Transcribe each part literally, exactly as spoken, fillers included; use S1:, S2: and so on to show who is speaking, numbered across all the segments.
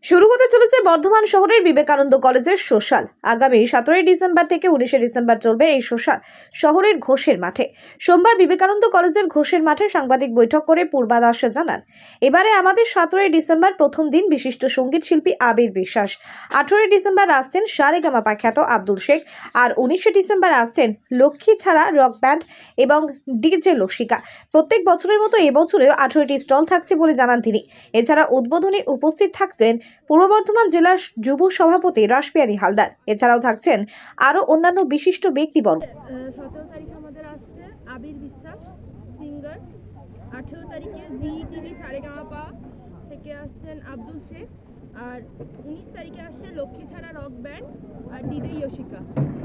S1: শুরু হতে চলেছে বর্ধমান শহরের বিবেকানন্দ কলেজের সোশ্যাল। আগামী সতেরোই ডিসেম্বর থেকে উনিশে ডিসেম্বর চলবে এই সোশ্যাল শহরের ঘোষের মাঠে। সোমবার বিবেকানন্দ কলেজের ঘোষের মাঠে সাংবাদিক বৈঠক করে পূর্বাদাস জানান, এবারে আমাদের সতেরোই ডিসেম্বর প্রথম দিন বিশিষ্ট সঙ্গীত শিল্পী আবির বিশ্বাস, আঠারোই ডিসেম্বর আসছেন সারেগামাপা খ্যাত আব্দুল শেখ, আর উনিশে ডিসেম্বর আসছেন লক্ষ্মী ছাড়া রক ব্যান্ড এবং ডিজে লসিকা। প্রত্যেক বছরের মতো এবছরেও আঠারোটি স্টল থাকছে বলে জানান তিনি। এছাড়া উদ্বোধনে উপস্থিত থাকবেন পূর্ব বর্ধমান জেলার যুব সভাপতি রাসবিহারী হালদার। এছাড়াও থাকছেন আরো অন্যান্য বিশিষ্ট ব্যক্তিবর্গ।
S2: সতেরো তারিখে আমাদের আসছে আবির বিশ্বাস সিঙ্গার, আঠেরো তারিখে জি টিভি সারেগামাপা থেকে আসছেন আব্দুল শেখ, আর উনিশ তারিখে আসছে লক্ষ্মী ছাড়া রক ব্যান্ড আর ডিজে ইয়োশিকা।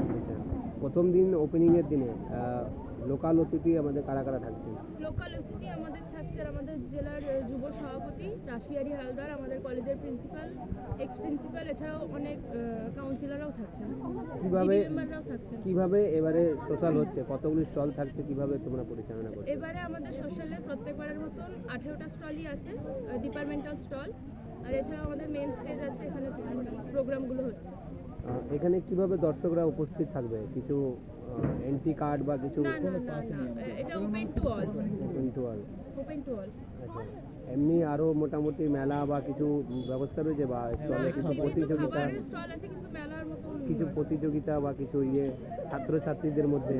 S3: প্রথম দিন ওপেনিং এর দিনে লোকাল অতিথি আমাদের কারা কারা থাকছে?
S2: লোকাল অতিথি আমাদের থাকছে আমাদের জেলার যুব সভাপতি রাসবিহারী হালদার, আমাদের কলেজের প্রিন্সিপাল, এক্স প্রিন্সিপাল, এছাড়াও অনেক কাউন্সিলররাও থাকছেন।
S3: কিভাবে
S2: মেম্বাররাও থাকছেন।
S3: কিভাবে এবারে সোশ্যাল হচ্ছে, কতগুলি স্টল থাকছে, কিভাবে তোমরা পরিচালনা করছো?
S2: এবারে আমাদের সোশ্যালে প্রত্যেকবারের মতন আঠেরোটা স্টলই আছে, ডিপার্টমেন্টাল স্টল, আর এছাড়াও আমাদের মেন স্টেজ আছে, এখানে প্রোগ্রামগুলো হচ্ছে।
S3: এখানে কিভাবে দর্শকরা উপস্থিত থাকবে? কিছু এন্ট্রি কার্ড বা কিছু?
S2: না না না না, এটা open to all.
S3: Open to all.
S2: Open to all.
S3: আচ্ছা, এমনি আরো মোটামুটি মেলা বা কিছু ব্যবস্থা রয়েছে বা স্টলে কিছু প্রতিযোগিতা?
S2: স্টল আছে কিন্তু মেলার মতন
S3: কিছু প্রতিযোগিতা বা কিছু ইয়ে ছাত্রছাত্রীদের মধ্যে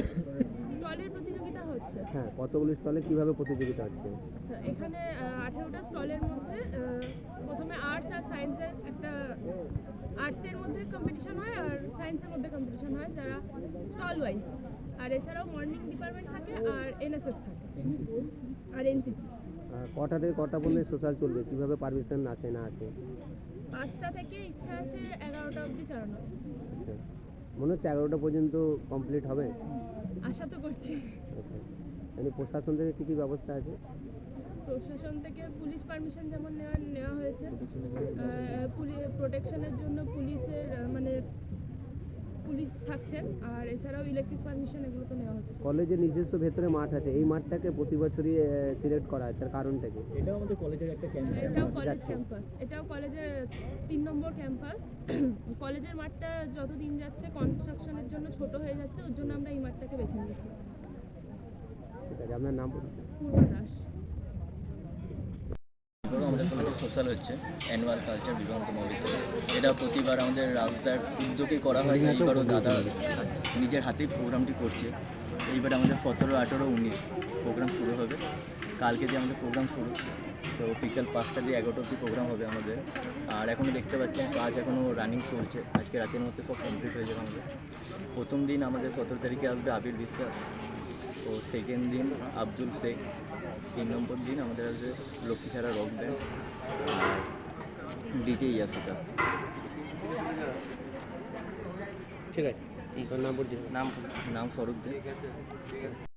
S2: স্টলের প্রতিযোগিতা হচ্ছে।
S3: হ্যাঁ, কতগুলি স্টলে কিভাবে প্রতিযোগিতা হচ্ছে?
S2: আচ্ছা, এখানে আঠেরোটা স্টলের মধ্যে প্রথমে আর্টস আর সায়েন্সের একটা আর্টসের মধ্যে কম্পিটিশন হয় আর সায়েন্সের মধ্যে কম্পিটিশন হয় যারা স্টল ওয়াইজ, আর এছাড়াও মর্নিং ডিপার্টমেন্ট থাকে আর এনএসএস থাকে আর এনসিসি।
S3: কটা থেকে কটা পর্যন্ত সোশ্যাল চলবে? কিভাবে পারমিশন আছে না আছে?
S2: পাঁচটা থেকে ইচ্ছা আছে এগারোটা অবধি চালানো।
S3: আচ্ছা, মনে হচ্ছে এগারোটা পর্যন্ত কমপ্লিট হবে,
S2: আশা তো করছি।
S3: আচ্ছা, মানে প্রশাসন থেকে কী কী ব্যবস্থা আছে?
S2: প্রশাসন থেকে পুলিশ পারমিশন যেমন নেওয়া নেওয়া হয়েছে, প্রোটেকশনের জন্য পুলিশের মানে পুলিশ থাকছেন, আর এছাড়াও ইলেকট্রিক পারমিশন এগুলো তো নেওয়া হচ্ছে।
S3: কলেজের নিজস্ব ভেতরে মাঠ আছে, এই মাঠটাকে প্রতি বছরই সিলেক্ট করা হয়, তার কারণটা কি?
S4: এটাও আমাদের কলেজের একটা ক্যাম্পাস।
S2: এটাও কলেজ ক্যাম্পাস, এটাও কলেজের তিন নম্বর ক্যাম্পাস। কলেজের মাঠটা যত দিন যাচ্ছে কনস্ট্রাকশনের জন্য ছোট হয়ে যাচ্ছে, ওর জন্য আমরা এই মাঠটাকে বেছে নিয়েছি।
S3: ঠিক আছে, আপনার নাম?
S2: পূর্ব দাস।
S4: আমাদের কলেজে সোশ্যাল হচ্ছে অ্যানুয়াল কালচার বিবেকানন্দ মহাবিদ্যালয়। এটা প্রতিবার আমাদের রাজদার উদ্যোগে করা হয়, এইবারও দাদা নিজের হাতেই প্রোগ্রামটি করছে। এইবার আমাদের সতেরো আঠেরো উনিশ প্রোগ্রাম শুরু হবে। কালকে দিয়ে আমাদের প্রোগ্রাম শুরু, তো বিকেল পাঁচটা দিয়ে এগারোটা অবধি প্রোগ্রাম হবে আমাদের। আর এখনও দেখতে পাচ্ছেন কাজ এখনও রানিং চলছে, আজকে রাতের মধ্যে সব কমপ্লিট হয়ে যাবে আমাদের। প্রথম দিন আমাদের সতেরো তারিখে আসবে আবির বিশ্বাস, ও সেকেন্ড দিন আব্দুল শেখ, তিন নম্বর দিন আমাদের আসবে লক্ষ্মী ছাড়া রক ব্যান্ড আর ডিজে ইয়াসিকা।
S3: ঠিক আছে, নাম নাম
S4: নাম স্বরূপ দে।